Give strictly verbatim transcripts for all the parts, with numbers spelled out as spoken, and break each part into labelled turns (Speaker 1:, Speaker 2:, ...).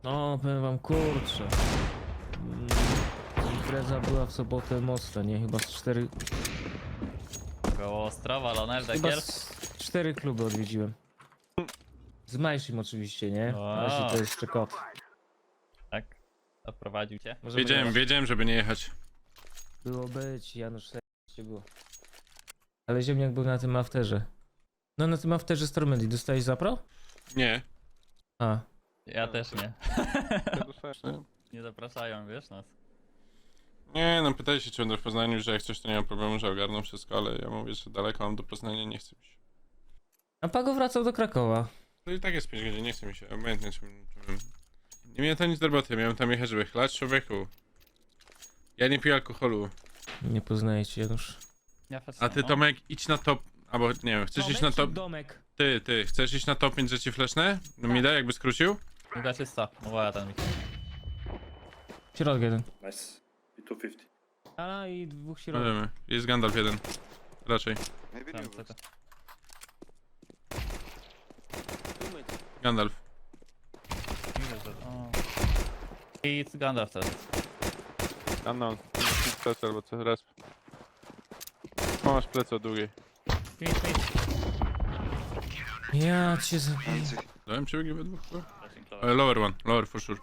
Speaker 1: No, powiem wam, kurczę. Mm, Impreza była w sobotę mocna, nie? Chyba z cztery...
Speaker 2: Koło Ostrowa, Lonel,
Speaker 1: Chyba
Speaker 2: Dekiel.
Speaker 1: z cztery kluby odwiedziłem. Z Majszym oczywiście, nie?
Speaker 2: Wow.
Speaker 1: Majszy to jest jeszcze kot.
Speaker 2: Tak, doprowadził cię.
Speaker 1: Możemy
Speaker 3: Wiedziałem,
Speaker 1: jechać.
Speaker 3: wiedziałem, żeby nie jechać.
Speaker 1: Było być, Janusz, się było. Ale ziemniak był na tym afterze. No na tym afterze z Tormenty. Dostałeś zapro?
Speaker 3: Nie.
Speaker 1: A.
Speaker 2: Ja też nie. Nie zapraszają, wiesz nas.
Speaker 3: Nie, no pytaj się, czy będę w Poznaniu, że jak coś to nie ma problemu, że ogarną wszystko, ale ja mówię, że daleko mam do Poznania, nie chce mi się.
Speaker 1: A Pago wracał do Krakowa.
Speaker 3: To i tak jest pięć godzin, nie chce mi się, obojętnie czym, czym... Nie miałem tam nic do roboty, miałem tam jechać, żeby chlać człowieku. Ja nie piję alkoholu.
Speaker 1: Nie poznaję cię, Janusz.
Speaker 2: Ja też
Speaker 3: A ty,
Speaker 2: no.
Speaker 3: Tomek, idź na top... Albo, nie wiem, chcesz iść na top...
Speaker 1: Domek.
Speaker 3: Ty, ty, chcesz iść na top pięć, że ci fleszne? No mi da, jakby skrócił?
Speaker 2: Druga czysta, mówiła ten Michał.
Speaker 1: Środek jeden.
Speaker 4: Nice. I two fifty.
Speaker 1: A i dwóch
Speaker 3: No
Speaker 1: środek.
Speaker 3: wiemy, jest Gandalf jeden. Raczej.
Speaker 5: Maybe
Speaker 2: Tam,
Speaker 5: new
Speaker 2: co to?
Speaker 5: boost.
Speaker 3: Gandalf.
Speaker 2: O. I Gandalf też.
Speaker 6: Unknown. Plecy albo co, resp. O, masz plecy od długiej.
Speaker 2: Mit, mit.
Speaker 1: Ja cię zabiję.
Speaker 5: Let's see.
Speaker 3: Dałem przebiegi we dwóch? chyba?
Speaker 2: Flashing
Speaker 3: E,
Speaker 2: lower.
Speaker 3: lower one, lower for sure.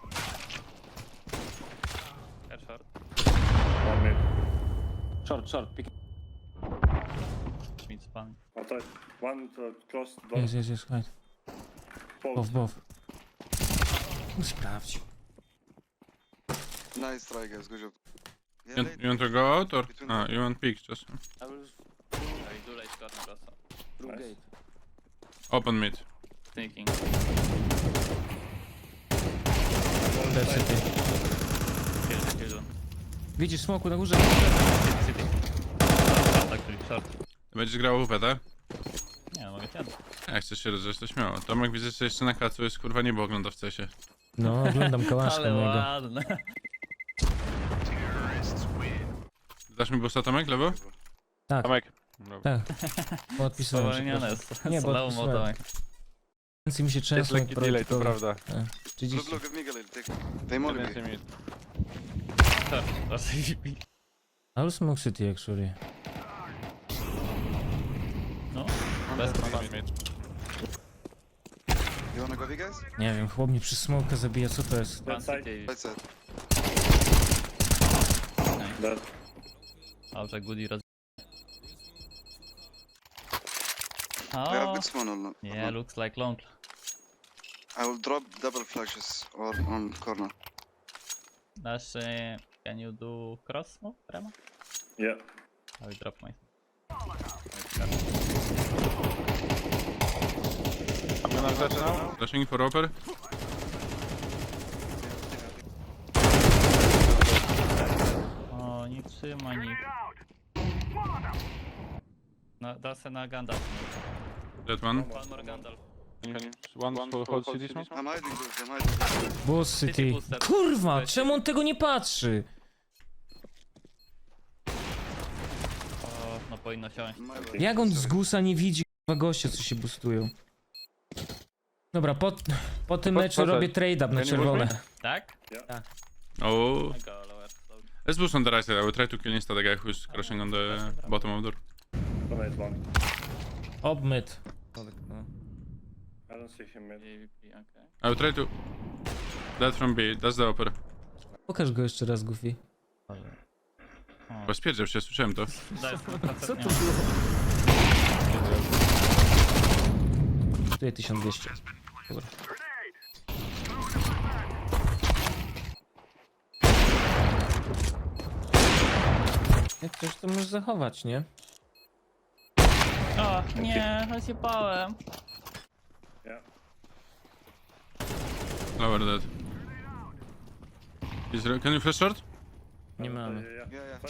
Speaker 2: Air short.
Speaker 4: One mid.
Speaker 1: Short, short, pick.
Speaker 2: Mid spam.
Speaker 4: Outside. One uh, close door.
Speaker 1: Jest, jest, jest, hide. Bow,
Speaker 4: Both.
Speaker 1: bow. Sprawdź.
Speaker 5: Nice try, guys. Good job. Yeah,
Speaker 3: You,
Speaker 5: late.
Speaker 3: you want to go out or? Ah, you want pick just.
Speaker 2: I do late corner also.
Speaker 4: Nice.
Speaker 3: Open mid.
Speaker 2: Thinking.
Speaker 1: Dead city.
Speaker 2: Kill, kill.
Speaker 1: Widzisz smoku na górze?
Speaker 2: City, city. Short, actually, short.
Speaker 3: Ty będziesz grał U P, tak?
Speaker 2: Nie, no mogę cię.
Speaker 3: Jak chcesz się rozejść, to śmiało. Tomek widzę, że jeszcze na kacu jest kurwa niebo ogląda w cesie.
Speaker 1: No, oglądam kałaszka
Speaker 2: Ale
Speaker 1: mojego.
Speaker 2: ładne.
Speaker 3: Dasz mi busta, Tomek, lewo?
Speaker 1: Tak,
Speaker 6: Tomek.
Speaker 1: tak. Podpisałem się.
Speaker 2: Spowolnione
Speaker 1: proszę.
Speaker 2: jest.
Speaker 1: Nie, bo
Speaker 2: Slow
Speaker 1: odpisałem.
Speaker 2: motomek.
Speaker 1: Więcej mi się
Speaker 6: Jest
Speaker 1: często
Speaker 6: lekki delay, to prawda.
Speaker 5: Blue,
Speaker 1: trzydzieści.
Speaker 5: blue, give me Galil. Take. They more
Speaker 6: Więcej
Speaker 5: me.
Speaker 6: mi.
Speaker 2: Short, raczej.
Speaker 1: I'll smoke city actually.
Speaker 2: No, bez problemu.
Speaker 5: You wanna go, big guys?
Speaker 1: Nie wiem, chłop mnie przy smoka zabija, co to jest?
Speaker 2: One
Speaker 4: side.
Speaker 2: city.
Speaker 5: Right side.
Speaker 4: Dead.
Speaker 2: Dobrze, goodie roz...
Speaker 5: We have
Speaker 2: Oh,
Speaker 5: good spawn or not?
Speaker 2: yeah, looks like long.
Speaker 5: I will drop double flashes or on corner.
Speaker 2: Dash, uh, can you do cross move, Rema?
Speaker 4: Yeah.
Speaker 2: I will drop my...
Speaker 6: Mamy na rzeczy now?
Speaker 3: Flashing for upper?
Speaker 2: O, nie trzyma nikt. No, da se na Gandalf.
Speaker 3: That one.
Speaker 2: One more Gandalf.
Speaker 6: One, one for hold city smoke?
Speaker 5: I'm hiding boost. I'm hiding boost.
Speaker 1: Boss
Speaker 2: City
Speaker 1: city.
Speaker 2: booster.
Speaker 1: Kurwa, czemu on tego nie patrzy?
Speaker 2: O, no powinno siąść.
Speaker 5: My bad.
Speaker 1: Jak on z
Speaker 5: Sorry.
Speaker 1: gusa nie widzi kurwa gościa, co się boostują? Dobra, po, po tym
Speaker 6: Po-
Speaker 1: meczu
Speaker 6: poczekaj.
Speaker 1: robię trade up na
Speaker 6: Ja nie
Speaker 1: czerwone.
Speaker 2: Tak?
Speaker 3: Oh.
Speaker 2: I go lower. So,
Speaker 3: Let's boost on the right side. I will try to kill instead the guy who's crashing on the bottom of door.
Speaker 4: Donate one.
Speaker 1: Obmyt.
Speaker 4: I don't see him mid.
Speaker 2: A V P, okay.
Speaker 3: I will try to... That from B, that's the upper.
Speaker 1: Pokaż go jeszcze raz, Goofy.
Speaker 3: Bo spierdział się, słyszałem to.
Speaker 2: Co to
Speaker 1: Tutaj tysiąc dwieście. Dobra. Jak coś to możesz zachować, nie?
Speaker 2: O, nie, rozjebałem.
Speaker 4: Yeah.
Speaker 3: Lower dead. Is there, can you flash short?
Speaker 1: Nie mamy.
Speaker 4: Yeah, yeah.
Speaker 5: Yeah, yeah.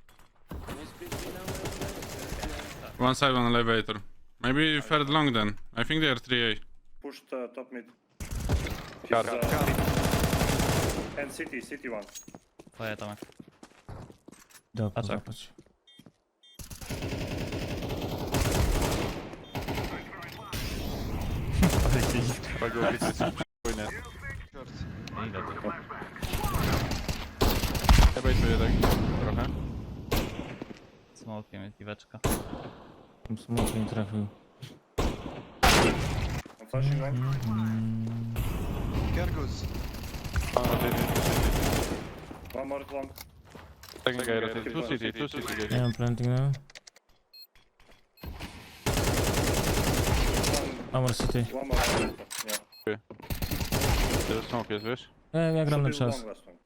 Speaker 3: One side, one elevator. Maybe third long then. I think they are three A.
Speaker 4: Push the top mid.
Speaker 6: Car.
Speaker 4: He's, uh, and city, city one.
Speaker 2: Twoje Tomek.
Speaker 1: Dobra,
Speaker 2: Patrz.
Speaker 1: złapać.
Speaker 6: Pago, wiecie, coś przypłynie.
Speaker 5: Short.
Speaker 2: Idę tu.
Speaker 6: Ja bejtuję tak trochę.
Speaker 2: Smokiem jest piweczka.
Speaker 1: Tam smok nie trafił.
Speaker 4: I'm flashing one.
Speaker 5: Cargoes.
Speaker 6: A, ty, ty, ty,
Speaker 4: One more long.
Speaker 6: ty. Second guy rotate. Two city, two city.
Speaker 1: Nie
Speaker 6: guys.
Speaker 1: mam planting now.
Speaker 4: One,
Speaker 1: Amor City.
Speaker 4: one more. Yeah.
Speaker 6: Teraz smoke jest, wiesz?
Speaker 1: Ja, ja gram na
Speaker 4: Should be
Speaker 1: czas.
Speaker 4: long last one.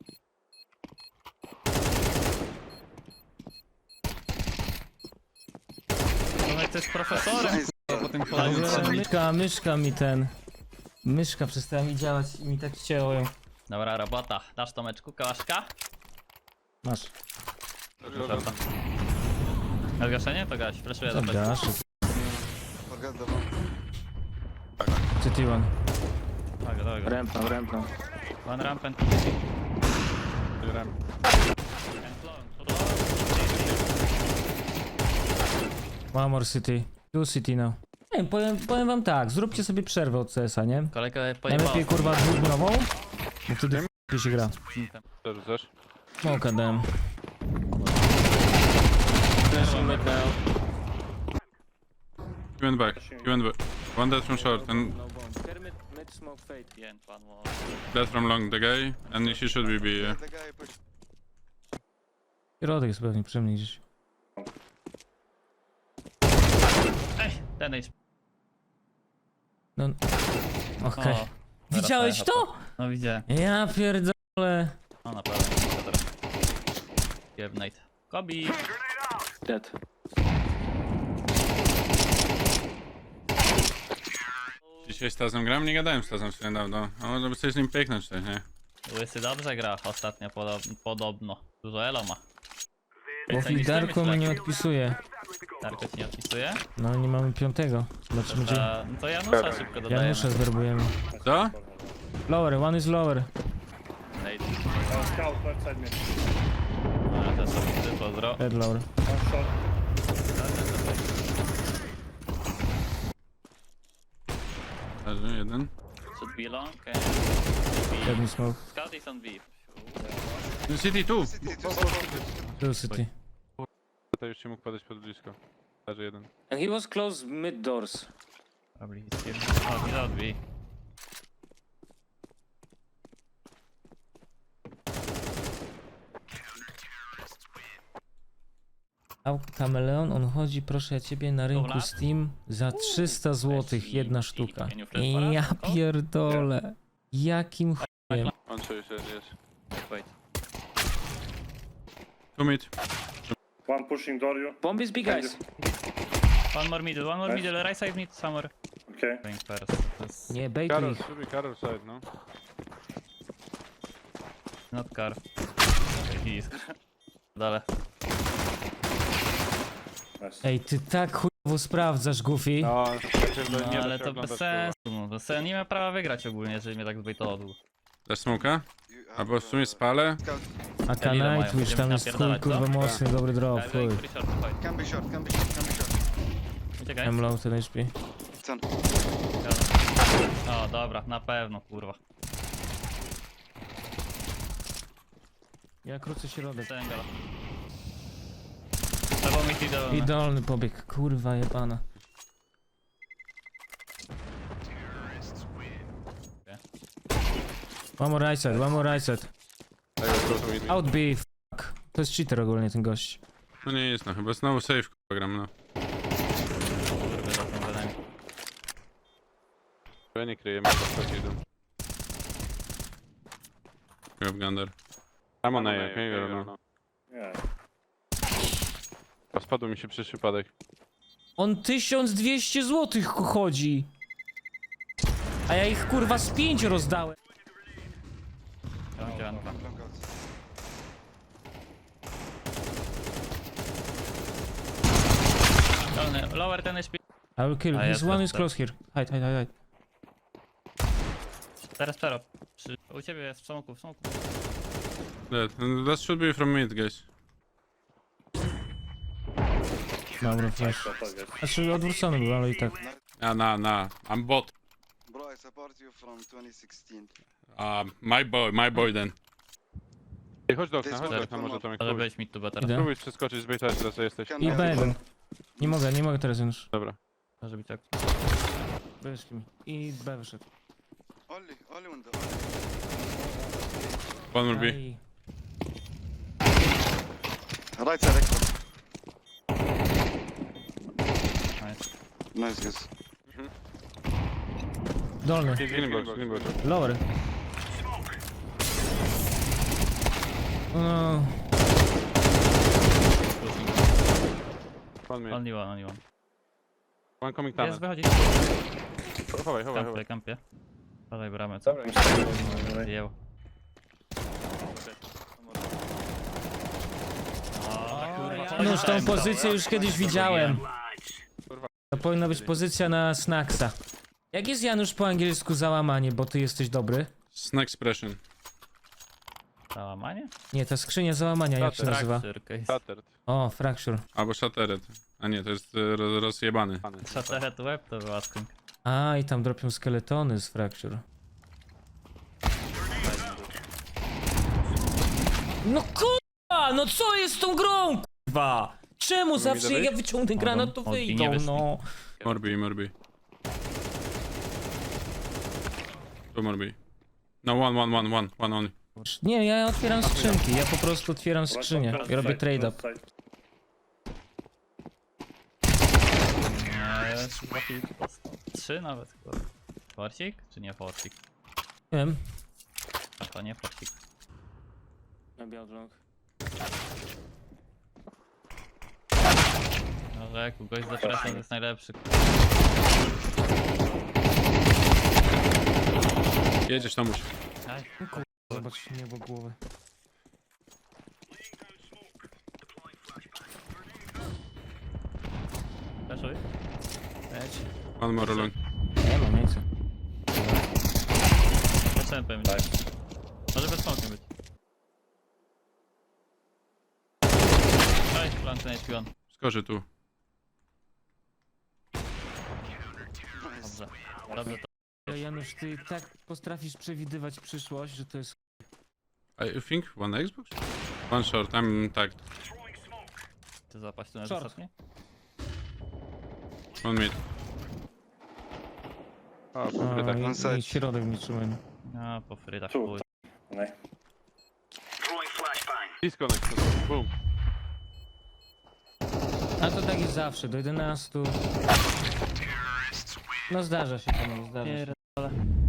Speaker 2: Tomek to jest profesorem,
Speaker 5: Nice.
Speaker 2: kurwa, po tym
Speaker 1: Ale
Speaker 2: kolaniu.
Speaker 1: myszka, myszka mi ten... Myszka przestała mi działać i mi tak cięło ją.
Speaker 2: Dobra robota. Dasz Tomeczku kałaszka?
Speaker 1: Masz.
Speaker 2: Żarta. Na zgaszenie? To gaś, flashuję do bezpeki.
Speaker 1: Zagasz.
Speaker 5: Forget the bomb.
Speaker 1: City one.
Speaker 2: Tak, dobra.
Speaker 1: Rępną, rępną.
Speaker 2: One ramp and
Speaker 6: Zbieram.
Speaker 1: One more City. Two City now. Nie wiem, powiem, powiem wam tak, zróbcie sobie przerwę od C S a, nie?
Speaker 2: Kolega pojebał.
Speaker 1: Najlepiej kurwa dwudniową, bo wtedy f***y się gra.
Speaker 6: Co rzucasz?
Speaker 1: Smoka dałem.
Speaker 3: He went back. He went back. One dead from short and dead from long, the guy. And he should be B, yeah.
Speaker 5: The guy push.
Speaker 1: Środek jest pewnie przy mnie gdzieś.
Speaker 2: Ej, ten jest.
Speaker 1: No... Okej.
Speaker 2: O,
Speaker 1: Widziałeś
Speaker 2: teraz
Speaker 1: to?
Speaker 2: No widzę.
Speaker 1: Ja pierdolę.
Speaker 2: O naprawdę. Jebnate. Kobi.
Speaker 1: Dead.
Speaker 3: Dzisiaj z Tazem gram? Nie gadałem z Tazem sobie niedawno. A może by coś z nim pieknąć też, nie?
Speaker 2: Łysy dobrze gra ostatnio podob podobno. Dużo elo ma.
Speaker 1: Bo
Speaker 2: Więcej niż ty,
Speaker 1: Darko
Speaker 2: myślę.
Speaker 1: mnie nie odpisuje.
Speaker 2: Darko ci nie odpisuje?
Speaker 1: No nie mamy piątego. Zobaczymy gdzie.
Speaker 2: A, no to Janusza szybko dodajemy.
Speaker 1: Janusza zwerbujemy.
Speaker 3: Co?
Speaker 1: Lower, one is lower.
Speaker 2: Nate.
Speaker 4: Uh, scout left side mid.
Speaker 2: No, ja też sobie pozdro.
Speaker 1: Dead lower.
Speaker 4: One shot.
Speaker 3: Leży jeden.
Speaker 2: Should be long and
Speaker 1: Dead
Speaker 2: B.
Speaker 1: me smoke.
Speaker 2: Scout is on B.
Speaker 3: City tu!
Speaker 5: City, two city.
Speaker 1: Two city.
Speaker 6: To już się mógł podejść pod blisko. Leży jeden.
Speaker 1: And he was close mid doors.
Speaker 2: Probably he's here. Oh, he's out B.
Speaker 1: A Kameleon, on chodzi, proszę ja ciebie, na rynku
Speaker 2: Dobra.
Speaker 1: Steam za trzysta złotych jedna sztuka.
Speaker 2: Can you flash for us,
Speaker 1: Ja
Speaker 2: Marko?
Speaker 1: pierdolę. Jakim chujem.
Speaker 6: On czuje się, jest.
Speaker 2: Wait.
Speaker 3: Two mid.
Speaker 4: One pushing door you.
Speaker 1: Bomb is big guys.
Speaker 2: One more middle, one more
Speaker 4: Nice.
Speaker 2: middle, right side mid somewhere.
Speaker 4: Okay.
Speaker 2: Going first. That's
Speaker 1: Nie, bejtuj
Speaker 6: Karol,
Speaker 1: ich.
Speaker 6: should be Karol side, no.
Speaker 2: not car. Okay, he is car. Dalej.
Speaker 4: Nice.
Speaker 1: Ej, ty tak chujowo sprawdzasz, Goofy.
Speaker 6: No,
Speaker 2: No,
Speaker 6: nie
Speaker 2: ale
Speaker 6: da się
Speaker 2: to
Speaker 6: oglądać,
Speaker 2: bez sensu. No, bez sensu. Nie ma prawa wygrać ogólnie, jeżeli mnie tak zbejtował długo.
Speaker 3: Dasz smoka?
Speaker 5: You have,
Speaker 3: Albo w sumie
Speaker 5: uh,
Speaker 3: spalę?
Speaker 5: Scout.
Speaker 1: A
Speaker 2: ile mają?
Speaker 1: Nightwish tam
Speaker 2: Będziemy
Speaker 1: jest chuj,
Speaker 2: napierdalać, co?
Speaker 1: kurwa mocny, dobry drop,
Speaker 2: Tak,
Speaker 1: chuj.
Speaker 2: pretty short, fight.
Speaker 5: Can be short, can be short, can be short.
Speaker 2: Uciekaj.
Speaker 1: I'm low ten H P.
Speaker 5: Ten.
Speaker 2: O, dobra, na pewno, kurwa.
Speaker 1: Ja krócę środek.
Speaker 2: Sengala. Trzeba mieć idealne.
Speaker 1: Idolny pobieg, kurwa jebana. One more right side, one more right side.
Speaker 6: Tego proszę mi.
Speaker 1: Out B, fuck. To jest cheater ogólnie ten gość.
Speaker 3: No nie jest, no chyba znowu safe kurwa gram, no.
Speaker 2: Kurwa, za tą zadanie.
Speaker 6: Ja nie kryję, mam to idą.
Speaker 3: Grab Gander.
Speaker 6: Tam ona jest, nie wiem, no.
Speaker 4: Yeah.
Speaker 6: A spadł mi się przez przypadek.
Speaker 1: On tysiąc dwieście złotych chodzi. A ja ich kurwa z pięć rozdałem.
Speaker 2: Piącie, Anka.
Speaker 5: Long out.
Speaker 2: Dolny, lower ten H P.
Speaker 1: I will kill.
Speaker 2: A
Speaker 1: His
Speaker 2: jest,
Speaker 1: one
Speaker 2: jest,
Speaker 1: is close here. Hide, hide, hide, hide.
Speaker 2: Teraz pero. Przy... U ciebie jest w smoku, w smoku.
Speaker 3: Dead. And that should be from mid, guys.
Speaker 1: Dobra, flash.
Speaker 4: Shot, I guess.
Speaker 1: Znaczy odwrócony był, ale i tak.
Speaker 3: A na, na. I'm bot.
Speaker 5: Bro, I support you from twenty sixteen.
Speaker 3: Uh, my boy, my boy then.
Speaker 6: Ej, chodź do okna,
Speaker 5: This
Speaker 6: chodź do
Speaker 5: one
Speaker 6: okna,
Speaker 5: for
Speaker 6: może
Speaker 5: more.
Speaker 6: Tomek.
Speaker 2: Może
Speaker 6: Spróbuj,
Speaker 2: być mid to better.
Speaker 1: Idę.
Speaker 6: spróbuj przeskoczyć, zbejtać teraz, że jesteś.
Speaker 5: Can
Speaker 1: I
Speaker 5: I-
Speaker 1: B jeden. Nie mogę, nie mogę teraz już.
Speaker 6: Dobra.
Speaker 2: Może być tak.
Speaker 1: Wyszli mi. I B wyszedł.
Speaker 5: Only, only window.
Speaker 3: One more B.
Speaker 1: Aj.
Speaker 5: Right side extra.
Speaker 2: Nice.
Speaker 5: Nice guys.
Speaker 1: Dolny.
Speaker 6: Green box, green box.
Speaker 1: Lower. No.
Speaker 6: One minute.
Speaker 2: Only one, only one.
Speaker 6: One coming
Speaker 2: Jest,
Speaker 6: tunnel.
Speaker 2: wychodzi.
Speaker 6: Chowaj, chowaj, chowaj.
Speaker 2: Kampie, kampie. Podaj bramę, co? Zdjęł.
Speaker 1: No już tą pozycję już kiedyś widziałem. To powinna być pozycja na snacksa. Jak jest Janusz po angielsku załamanie, bo ty jesteś dobry?
Speaker 3: Snack expression.
Speaker 2: Załamanie?
Speaker 1: Nie, ta skrzynia załamania, jak się
Speaker 6: Fracture.
Speaker 1: nazywa?
Speaker 2: Fracture case.
Speaker 6: Shattered.
Speaker 1: O, fracture.
Speaker 3: Albo shattered. A nie, to jest e, roz, rozjebany.
Speaker 6: Pany.
Speaker 2: Shattered web to był asking.
Speaker 1: A, i tam dropią skeletony z fracture. No kurwa, no co jest z tą grą, kurwa? Czemu zawsze jak ja wyciągnę granat, to
Speaker 2: Mogą- mogli nie
Speaker 1: wyjdą,
Speaker 2: wyszli.
Speaker 1: no?
Speaker 3: Morbi, morbi. Tu morbi. No, one, one, one, one, one only.
Speaker 1: Nie, ja otwieram skrzynki, ja po prostu otwieram
Speaker 4: Right
Speaker 1: skrzynię
Speaker 4: side,
Speaker 1: i robię
Speaker 4: left
Speaker 1: trade
Speaker 4: left
Speaker 1: up.
Speaker 4: side.
Speaker 2: Nie, dwa kilki dostał. Trzy nawet chyba. Forcik? Czy nie forcik?
Speaker 1: Nie wiem.
Speaker 2: A to nie forcik. Może jak u gość zapraszam, to jest najlepszy.
Speaker 3: Jedziesz tam,
Speaker 2: Aj,
Speaker 1: Zobacz niebo głowy.
Speaker 2: Flashuj.
Speaker 1: Leć.
Speaker 3: One more alone.
Speaker 1: Nie mam, nie chcę.
Speaker 2: Zacząłem pewnie. Może bez smokiem być. Oj, planty na H P one.
Speaker 3: Skorzy tu.
Speaker 2: Dobrze. Dobrze, to
Speaker 1: Ja, Janusz, ty tak potrafisz przewidywać przyszłość, że to jest...
Speaker 3: I think one Xbox? One short, I'm tagged.
Speaker 2: ty zapaść tu na
Speaker 1: Short.
Speaker 2: ostatnie?
Speaker 3: One mid.
Speaker 6: O,
Speaker 1: A,
Speaker 6: kurde, tak.
Speaker 5: on
Speaker 1: i,
Speaker 5: side.
Speaker 1: i środek nie trzymałem.
Speaker 2: A, po frydach
Speaker 4: Tu.
Speaker 2: chuj.
Speaker 4: Nee.
Speaker 6: Disconnect. Boom.
Speaker 1: A to tak jest zawsze, do jedenastu. No zdarza się to, no zdarza się.